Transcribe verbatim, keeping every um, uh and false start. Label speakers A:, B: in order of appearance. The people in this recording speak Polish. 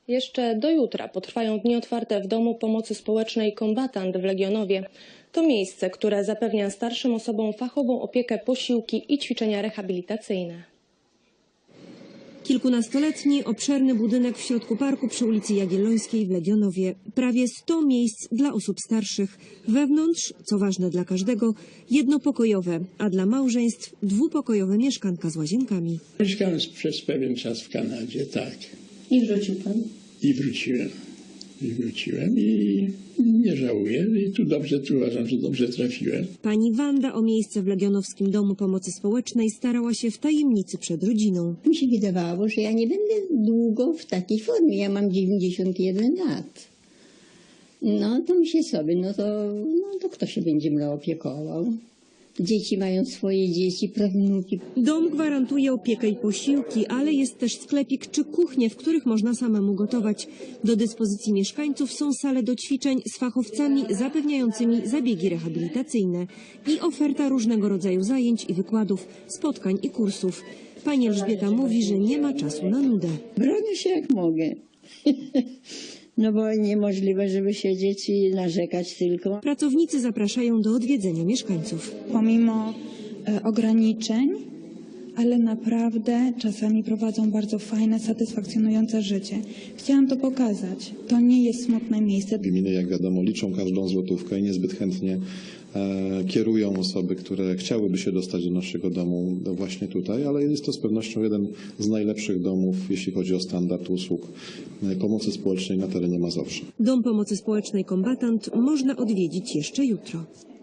A: Jeszcze do jutra potrwają dni otwarte w Domu Pomocy Społecznej Kombatant w Legionowie. To miejsce, które zapewnia starszym osobom fachową opiekę, posiłki i ćwiczenia rehabilitacyjne.
B: Kilkunastoletni, obszerny budynek w środku parku przy ulicy Jagiellońskiej w Legionowie. Prawie sto miejsc dla osób starszych. Wewnątrz, co ważne dla każdego, jednopokojowe, a dla małżeństw dwupokojowe mieszkanka z łazienkami.
C: Mieszkałem przez pewien czas w Kanadzie, tak.
A: I wrócił pan?
C: I wróciłem. I wróciłem i nie żałuję. I tu dobrze, tu uważam, że dobrze trafiłem.
B: Pani Wanda o miejsce w Legionowskim Domu Pomocy Społecznej starała się w tajemnicy przed rodziną.
D: Mi się wydawało, że ja nie będę długo w takiej formie. Ja mam dziewięćdziesiąt jeden lat. No to myślę sobie, no to, no to kto się będzie mną opiekował? Dzieci mają swoje dzieci, prawnuki.
B: Dom gwarantuje opiekę i posiłki, ale jest też sklepik czy kuchnie, w których można samemu gotować. Do dyspozycji mieszkańców są sale do ćwiczeń z fachowcami zapewniającymi zabiegi rehabilitacyjne i oferta różnego rodzaju zajęć i wykładów, spotkań i kursów. Pani Elżbieta mówi, że nie ma czasu na nudę.
D: Bronię się jak mogę. No bo niemożliwe, żeby siedzieć i narzekać tylko.
B: Pracownicy zapraszają do odwiedzenia mieszkańców.
E: Pomimo e, ograniczeń, ale naprawdę czasami prowadzą bardzo fajne, satysfakcjonujące życie. Chciałam to pokazać. To nie jest smutne miejsce.
F: Gminy, jak wiadomo, liczą każdą złotówkę i niezbyt chętnie e, kierują osoby, które chciałyby się dostać do naszego domu właśnie tutaj, ale jest to z pewnością jeden z najlepszych domów, jeśli chodzi o standard usług e, pomocy społecznej na terenie Mazowsza.
B: Dom Pomocy Społecznej Kombatant można odwiedzić jeszcze jutro.